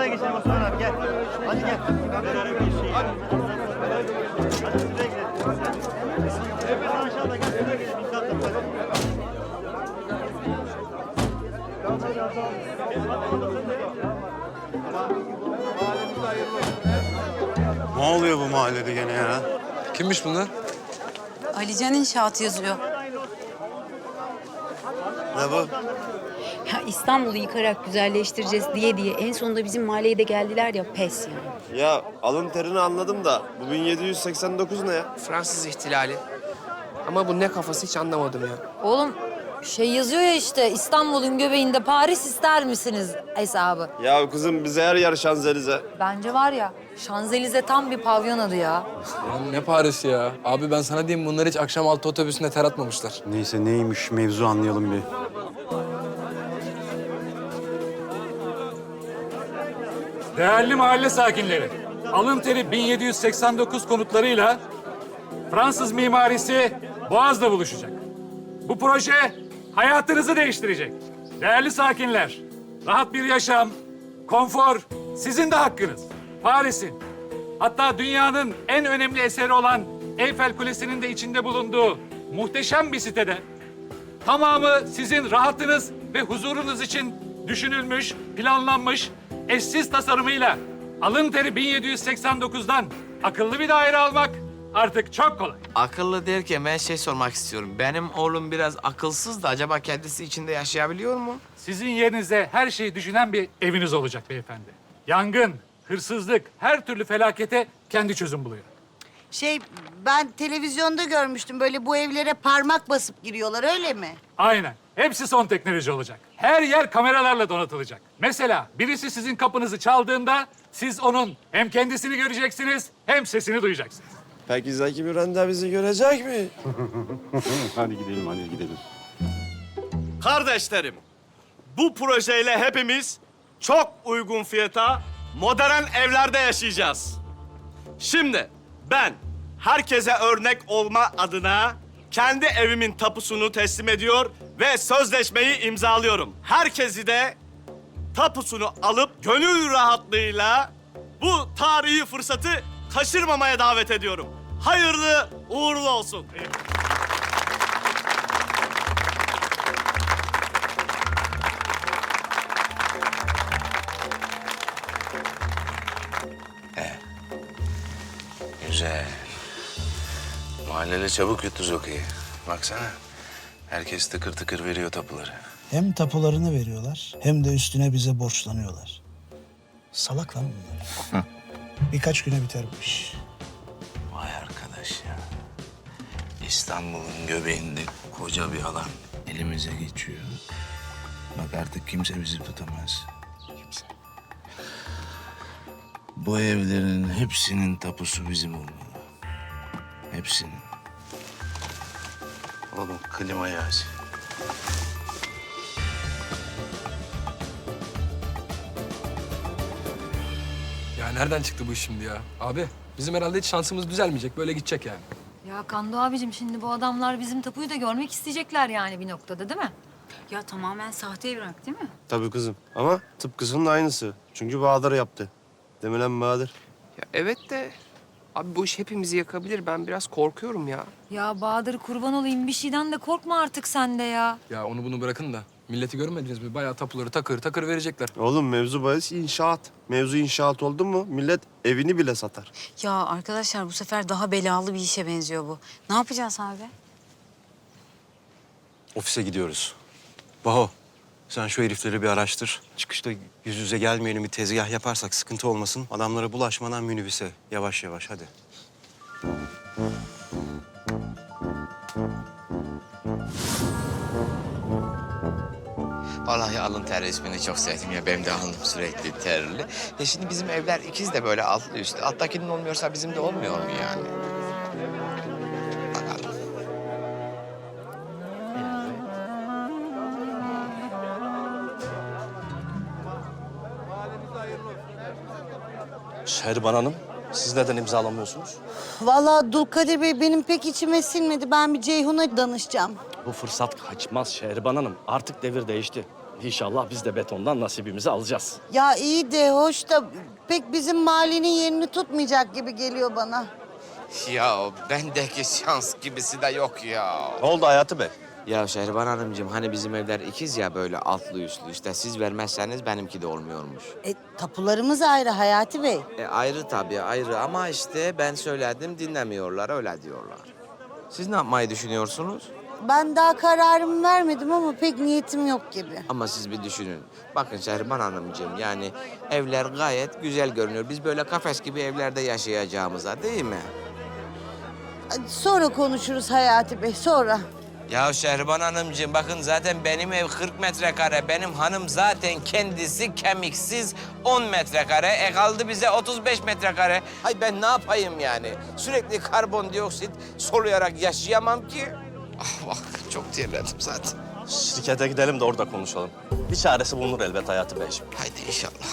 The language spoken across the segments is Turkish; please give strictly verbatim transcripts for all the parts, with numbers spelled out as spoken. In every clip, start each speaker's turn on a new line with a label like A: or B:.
A: şuraya geçelim Osman abi gel. Hadi gel. Hadi bir şey. Hadi. Hadi şuraya gidelim. Hep aşağıda gel şuraya gidelim. İmza atalım
B: Ne oluyor bu mahallede gene ya?
C: Kimmiş bunlar?
D: Alican İnşaat yazıyor.
B: Ne bu?
D: Ya İstanbul'u yıkarak güzelleştireceğiz diye diye en sonunda bizim mahalleye de geldiler ya, pes yani.
E: Ya alın terini anladım da bu bin yedi yüz seksen dokuz ne ya?
F: Fransız ihtilali. Ama bu ne kafası hiç anlamadım ya.
G: Oğlum şey yazıyor ya işte İstanbul'un göbeğinde Paris ister misiniz hesabı.
E: Ya kızım bize her yer Şanzelize.
G: Bence var ya Şanzelize tam bir pavyon adı ya.
C: Lan ne Paris'i ya? Abi ben sana diyeyim, bunlar hiç akşam altı otobüsünde ter atmamışlar.
B: Neyse neymiş mevzu anlayalım bir.
H: Değerli mahalle sakinleri, alın teri bin yedi yüz seksen dokuz konutlarıyla Fransız mimarisi Boğaz'da buluşacak. Bu proje hayatınızı değiştirecek. Değerli sakinler, rahat bir yaşam, konfor sizin de hakkınız. Paris'in, hatta dünyanın en önemli eseri olan Eyfel Kulesi'nin de içinde bulunduğu muhteşem bir sitede tamamı sizin rahatınız ve huzurunuz için düşünülmüş, planlanmış, eşsiz tasarımıyla alın teri bin yedi yüz seksen dokuzdan akıllı bir daire almak artık çok kolay.
F: Akıllı derken ben şey sormak istiyorum. Benim oğlum biraz akılsız da acaba kendisi içinde yaşayabiliyor mu?
H: Sizin yerinize her şeyi düşünen bir eviniz olacak beyefendi. Yangın, hırsızlık, her türlü felakete kendi çözüm buluyor.
I: Şey, ben televizyonda görmüştüm. Böyle bu evlere parmak basıp giriyorlar, öyle mi?
H: Aynen. Hepsi son teknoloji olacak. Her yer kameralarla donatılacak. Mesela birisi sizin kapınızı çaldığında siz onun hem kendisini göreceksiniz hem sesini duyacaksınız.
E: Peki Zeki Müren de bizi görecek mi?
B: Hadi gidelim hadi gidelim.
J: Kardeşlerim, bu projeyle hepimiz çok uygun fiyata modern evlerde yaşayacağız. Şimdi ben herkese örnek olma adına kendi evimin tapusunu teslim ediyor ve sözleşmeyi imzalıyorum. Herkesi de tapusunu alıp gönül rahatlığıyla bu tarihi fırsatı kaçırmamaya davet ediyorum. Hayırlı uğurlu olsun.
K: Güzel. Mahalleli çabuk yuttu Zoki'yi. Baksana. Herkes tıkır tıkır veriyor tapuları.
L: Hem tapularını veriyorlar hem de üstüne bize borçlanıyorlar. Salak lan bunlar. Birkaç güne biter bu iş.
K: Vay arkadaş ya. İstanbul'un göbeğinde koca bir alan elimize geçiyor. Bak artık kimse bizi tutamaz. Kimse. Bu evlerin hepsinin tapusu bizim olmalı. Hepsinin. Oğlum klimayı aç.
C: Ya nereden çıktı bu iş şimdi ya? Abi bizim herhalde hiç şansımız düzelmeyecek. Böyle gidecek yani.
G: Ya Kando abicim şimdi bu adamlar bizim tapuyu da görmek isteyecekler yani bir noktada değil mi?
D: Ya tamamen sahte evrak değil mi?
E: Tabii kızım ama tıpkısının aynısı. Çünkü Bahadır yaptı. Değil mi lan Bahadır?
F: Ya evet de abi bu iş hepimizi yakabilir. Ben biraz korkuyorum ya.
G: Ya Bahadır kurban olayım bir şeyden de korkma artık sen de ya.
C: Ya onu bunu bırakın da. Milleti görmediniz mi? Bayağı tapuları takır takır verecekler.
E: Oğlum mevzu bahis inşaat. Mevzu inşaat oldu mu millet evini bile satar.
D: Ya arkadaşlar bu sefer daha belalı bir işe benziyor bu. Ne yapacağız abi?
B: Ofise gidiyoruz. Baho sen şu herifleri bir araştır. Çıkışta yüz yüze gelmeyelim, bir tezgah yaparsak sıkıntı olmasın. Adamlara bulaşmadan minibüse yavaş yavaş hadi.
F: Vallahi alın ter resmini çok sevdim ya. Benim de alnım sürekli terli. Ya şimdi bizim evler ikiz de böyle altlı üstlü. Alttakinin olmuyorsa bizim de olmuyor mu yani? Bakalım.
J: Şehriban Hanım, siz neden imzalamıyorsunuz?
I: Vallahi Dulkadir Bey benim pek içime sinmedi. Ben bir Ceyhun'a danışacağım.
J: Bu fırsat kaçmaz Şehriban Hanım. Artık devir değişti. İnşallah biz de betondan nasibimizi alacağız.
I: Ya iyi de hoş da pek bizim mahallenin yerini tutmayacak gibi geliyor bana.
F: Ya bendeki şans gibisi de yok ya.
E: Ne oldu Hayati Bey?
F: Ya Şehriban Hanımcığım hani bizim evler ikiz ya böyle altlı üstlü işte siz vermezseniz benimki de olmuyormuş.
I: E, tapularımız ayrı Hayati Bey.
F: E, ayrı tabii ayrı ama işte ben söyledim dinlemiyorlar öyle diyorlar. Siz ne yapmayı düşünüyorsunuz?
I: Ben daha kararımı vermedim ama pek niyetim yok gibi.
F: Ama siz bir düşünün. Bakın Şehriban Hanımcığım yani evler gayet güzel görünüyor. Biz böyle kafes gibi evlerde yaşayacağımıza değil mi?
I: Hadi sonra konuşuruz Hayati Bey, sonra.
F: Ya Şehriban Hanımcığım bakın zaten benim ev kırk metrekare. Benim hanım zaten kendisi kemiksiz on metrekare. E kaldı bize otuz beş metrekare. Hay ben ne yapayım yani? Sürekli karbondioksit soluyarak yaşayamam ki. Ah bak çok terledim zaten.
J: Şirkete gidelim de orada konuşalım. Bir çaresi bulunur elbet Hayati Beyciğim.
F: Haydi inşallah.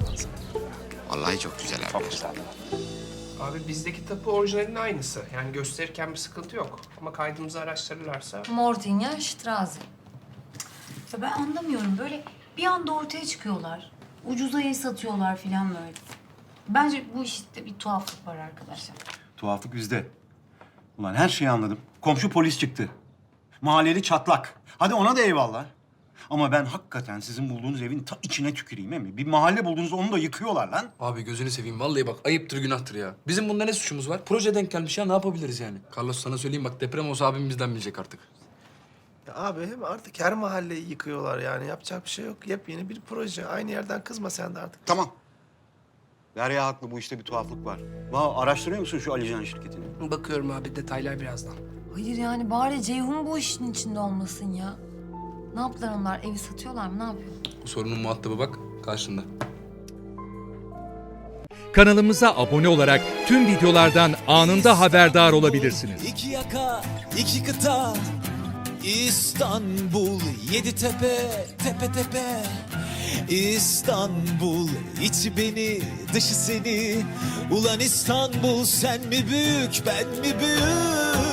F: Vallahi çok güzel evler.
J: Çok güzel.
M: Abi bizdeki tapu orijinalinin aynısı. Yani gösterirken bir sıkıntı yok. Ama kaydımızı araştırırlarsa...
G: Mortinya Straße.
D: Ya ben anlamıyorum. Böyle bir anda ortaya çıkıyorlar. Ucuza el satıyorlar falan böyle. Bence bu işte bir tuhaflık var arkadaşlar.
B: Tuhaflık bizde. Ulan her şeyi anladım. Komşu polis çıktı. Mahalleli çatlak. Hadi ona da eyvallah. Ama ben hakikaten sizin bulduğunuz evin ta içine tüküreyim mi? Bir mahalle buldunuz onu da yıkıyorlar lan.
C: Abi gözünü seveyim vallahi bak ayıptır günahtır ya. Bizim bunda ne suçumuz var? Proje denk gelmiş ya ne yapabiliriz yani? Carlos sana söyleyeyim bak deprem olsa abim bizden bilecek artık.
K: Ya abi hem artık her mahalleyi yıkıyorlar yani. Yapacak bir şey yok. Yepyeni bir proje. Aynı yerden kızma sen de artık.
B: Tamam. Derya haklı, bu işte bir tuhaflık var. Vallahi araştırıyor musun şu Alican şirketini?
M: Bakıyorum abi detaylar birazdan.
G: Hayır yani bari Ceyhun bu işin içinde olmasın ya. Ne yaptılar onlar? Evi satıyorlar mı? Ne yapıyor?
C: Bu sorunun muhatabı bak karşında.
N: Kanalımıza abone olarak tüm videolardan anında haberdar olabilirsiniz.
O: İki yaka, iki kıta, İstanbul, yedi tepe, tepe tepe. İstanbul, içi beni, dışı seni. Ulan İstanbul, sen mi büyük, ben mi büyük?